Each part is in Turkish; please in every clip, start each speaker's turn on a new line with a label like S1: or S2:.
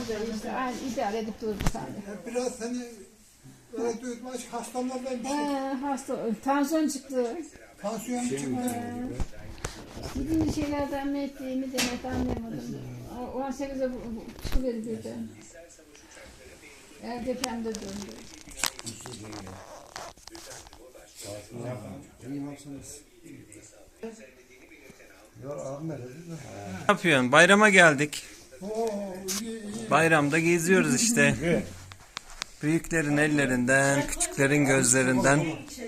S1: böyle işte aynı idare edip durdu sadece.
S2: Biraz hani öyle duyulmuş hastalardan bir şey.
S1: Hasta, tansiyon çıktı.
S2: Tansiyon çıktı.
S1: Gidince şeylerden mi ettiğimi demek anlayamadım. 18'e çıkıverdi birden. Depremde döndü.
S3: Ne yapıyorsun? Bayrama geldik.
S2: Oo, iyi.
S3: Bayramda geziyoruz işte. Büyüklerin ellerinden, küçüklerin gözlerinden.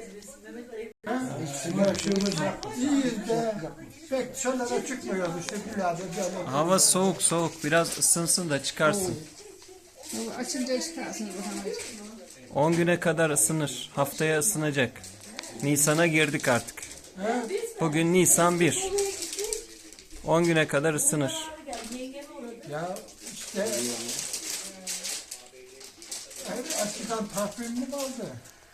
S2: İyiyiz de pek dışarılara çıkmıyoruz işte birader.
S3: Hava soğuk soğuk. Biraz ısınsın da çıkarsın.
S1: Açınca çıkarsın bu havayı.
S3: 10 güne kadar ısınır. Haftaya ısınacak. Nisan'a girdik artık. Bugün Nisan 1. 10 güne kadar ısınır.
S2: Ya işte eskiden takvimli vardı.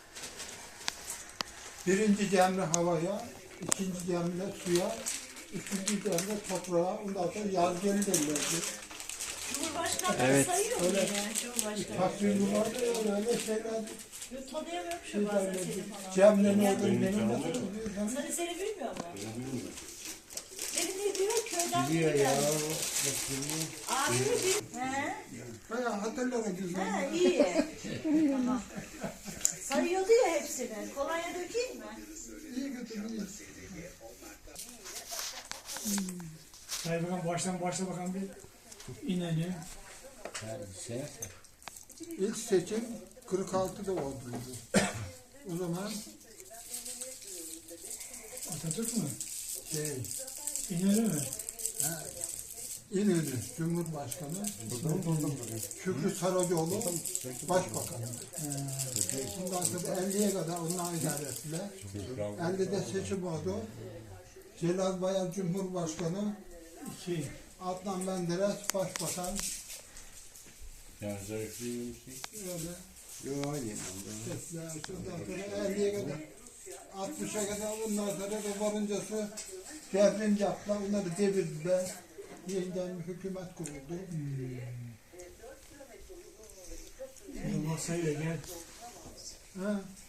S2: Birinci demli havaya, ikinci demli suya, üçüncü demli toprağa, ondan sonra yaz geri derlerdi.
S4: Cumhurbaşkanı
S3: Evet.
S4: sayıyor mu yani Cumhurbaşkanı?
S2: Takvimli vardı öyle şeyler.
S4: Tanıyamıyorum şu bazen seni falan.
S2: Cemle'nin olduğunu benim
S4: Seni bilmiyor mu? Beni ne diyor köyden biliyor ya. Abi bir... He?
S2: bayağı hatırlarım güzel.
S4: He iyi. Tamam. Sayıyordu ya hepsini. Kolonya dökeyim mi?
S2: İyi kötü iyi.
S5: Sayın Bakan başla bakalım bir ineni.
S2: İlk seçim 46'da oldu. O zaman
S5: Atatürk mü?
S2: şey,
S5: İneni mi?
S2: İnönü Cumhurbaşkanı, Şükrü Saracoğlu Başbakan. Ondan sonra 50'ye kadar onlar idare ettiler. 50'de seçim oldu. Celal Bayar Cumhurbaşkanı,
S5: 2.
S2: Adnan Menderes Başbakan.
S6: Yani zayıflı bir şey.
S2: Öyle.
S6: Yok aynı.
S2: Ondan sonra 50'ye kadar 60'a kadar ondan sonra da varıncası devrim yaptılar. Onları devirdiler. Yeniden bir hükümet kuruldu.
S5: Yılmaz Sayıyor gel.
S2: Ha?